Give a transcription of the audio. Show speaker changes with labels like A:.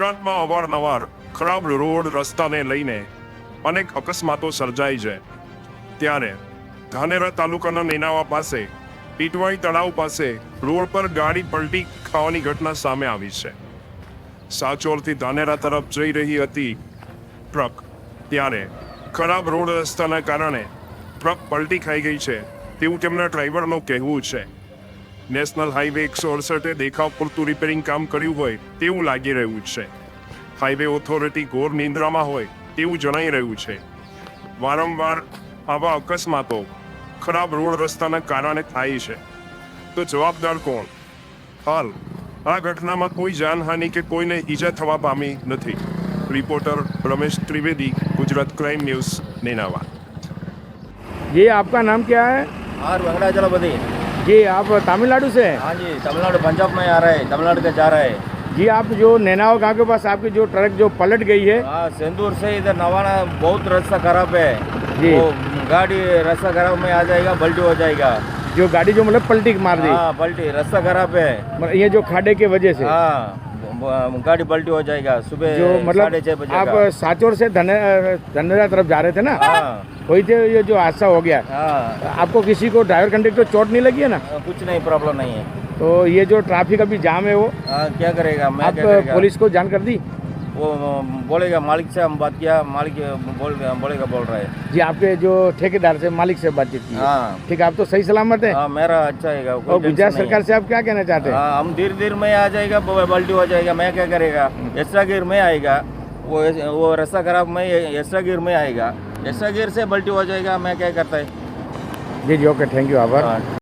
A: ગુજરાતમાં અવારનવાર ખરાબ રોડ રસ્તાને લઈને અનેક અકસ્માતો સર્જાય છે. ત્યારે ધાનેરા તાલુકાના નેનાવા પાસે પીટવાઈ તળાવ પાસે રોડ પર ગાડી પલટી ખાવાની ઘટના સામે આવી છે. સાચોરથી ધાનેરા તરફ જઈ રહી હતી ટ્રક, ત્યારે ખરાબ રોડ રસ્તાના કારણે ટ્રક પલટી ખાઈ ગઈ છે તેવું તેમના ડ્રાઈવરનું કહેવું છે. નેશનલ હાઈવે 168 દેખાવ પૂરતું રિપેરિંગ કામ કર્યું હોય તેવું લાગી રહ્યું છે. હાઈવે ઓથોરિટી ઘોર નિંદ્રામાં હોય તેવું જણાઈ રહ્યું છે. વારંવાર આવા અકસ્માતો ખરાબ રોડ રસ્તાના કારણે થાય છે, તો જવાબદાર કોણ? હાલ આ ઘટનામાં કોઈ જાનહાનિ કે કોઈને ઈજા થવા પામી નથી. Reporter Ramesh Trivedi, Gujarat crime news, Nenava.
B: जी, आपका नाम क्या है?
C: और वेंकटाचलपति।
B: जी, आप तमिलनाडु से हैं?
C: हाँ जी, तमिलनाडु पंजाब में आ रहा है, तमिलनाडु के जा रहा है।
B: जी, आप जो नैनावा गांव के पास आपकी जो ट्रक जो पलट गई है,
C: हाँ, सिंदूर से इधर नवाना बहुत रास्ता खराब है
B: जी।
C: वो गाड़ी रास्ता खराब में आ जाएगा, पलटी हो जाएगा।
B: जो गाड़ी जो मतलब पलटी मार दी,
C: हाँ, पलटी, रास्ता खराब है।
B: मतलब ये जो खाडे के वजह से
C: हाँ, गाड़ी पलटी हो जाएगा सुबह
B: जो मतलब
C: 6:30 बजे
B: आप
C: का।
B: साचोर से धनेरा तरफ जा रहे थे ना,
C: हाँ,
B: वही थे ये जो हादसा हो गया।
C: हाँ,
B: आपको किसी को ड्राइवर कंडक्टर चोट नहीं लगी है ना?
C: कुछ नहीं, प्रॉब्लम नहीं है।
B: तो ये जो ट्रैफिक अभी जाम है वो
C: हाँ, क्या करेगा, मैं
B: आप
C: क्या करेगा?
B: पुलिस को जान कर दी?
C: वो बोलेगा, मालिक से हम बात किया, मालिक बोलेगा बोल रहा है।
B: जी, आपके जो ठेकेदार से मालिक से बातचीत की?
C: हाँ,
B: ठीक है, आप तो सही सलामत है?
C: हाँ, मेरा अच्छा है।
B: और गुजरात सरकार से आप क्या कहना चाहते हैं?
C: हाँ, हम धीरे में आ जाएगा, पलटी हो जाएगा, मैं क्या करेगा? एक्स्ट्रा गियर में आएगा, वो रास्ता खराब में एक्स्ट्रा गियर में आएगा, एक्स्ट्रा गियर से पलटी हो जाएगा, मैं क्या करता है?
B: जी जी, ओके, थैंक यू, आभार।
C: हाँ।